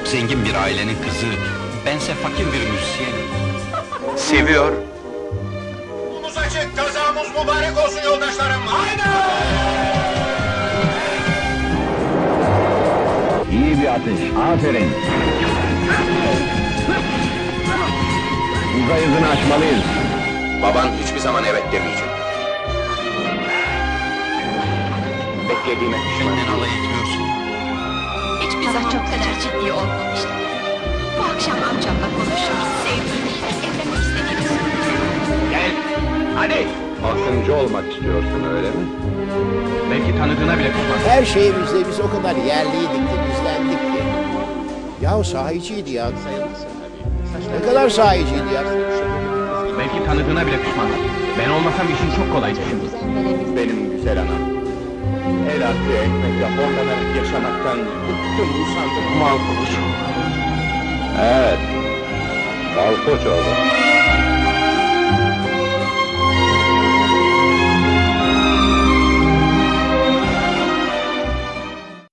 çok zengin bir ailenin kızı, bense fakir bir müzisyenim. Seviyor. Yolumuz açık, kazamız mübarek olsun yoldaşlarım. Haydi! İyi bir atış, aferin. Uzay hızını açmalıyız. Baban hiçbir zaman evet demeyecek. Beklediğime pişman. Benden alay etmiyorsun. Hiçbir zaman çok kadar ciddi olmamıştım. Bu akşam amcamla konuşuruz. Sevdiğimiz, evlenmek istediğimiz. Gel, hadi! Akıncı olmak istiyorsun öyle mi? Belki tanıdığına bile pişman. Her şeyimizde biz o kadar yerliydik de bizdendik ki. Yahu sahiciydi ya. Ne kadar sahiciydi ya. Belki tanıdığına bile pişman. Ben olmasam işin çok kolayacak. Benim güzel anam. El altı ekmekle horlanarak yaşamaktan bıktım, usandım. Malkoç. Evet. Malkoç oldu.